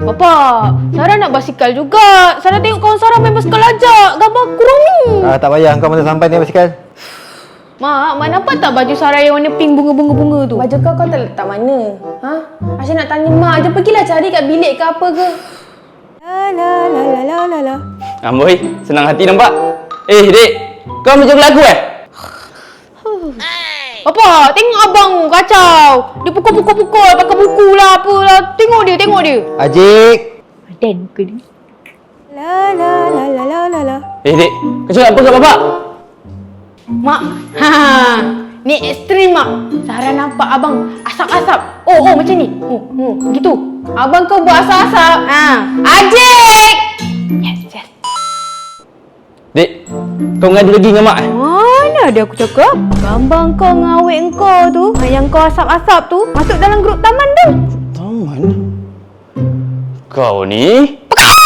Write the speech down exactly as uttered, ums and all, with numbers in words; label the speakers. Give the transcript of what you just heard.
Speaker 1: Bapak, Sarah nak basikal juga. Sarah tengok kawan Sarah main basikal ajak. Gambar kurung ni.
Speaker 2: Ah, tak payah, kau mesti sampai ni basikal.
Speaker 1: Mak, Mak nampak tak baju Sarah yang warna pink bunga-bunga-bunga tu?
Speaker 3: Baju kau kau tak letak mana? Ha? Asyik nak tanya mak je. Pergilah cari kat bilik ke apa ke. La la la la la la la.
Speaker 4: Amboi, senang hati nampak. Eh, Dek. Kau macam lagu eh?
Speaker 1: Bapak, tengok abang kacau. Dia pukul-pukul-pukul pakai buku lah apalah. Tengok dia, tengok dia.
Speaker 2: Ajik.
Speaker 1: Dan muka dia.
Speaker 3: La la la la la la la.
Speaker 4: Eh, Dek. Kau cakap apa kat bapak?
Speaker 1: Mak, ha, ni ekstrim mak. Sarah nampak abang asap-asap. Oh, oh macam ni. Oh, oh, gitu.
Speaker 3: Abang kau buat asap-asap.
Speaker 1: Ha, Ajik. Yes, yes.
Speaker 4: Dek, kau ngadu lagi dengan mak eh?
Speaker 1: Mana ada aku cakap? Gambar kau dengan awet kau tu, yang kau asap-asap tu, masuk dalam grup taman tu.
Speaker 4: Taman? Kau ni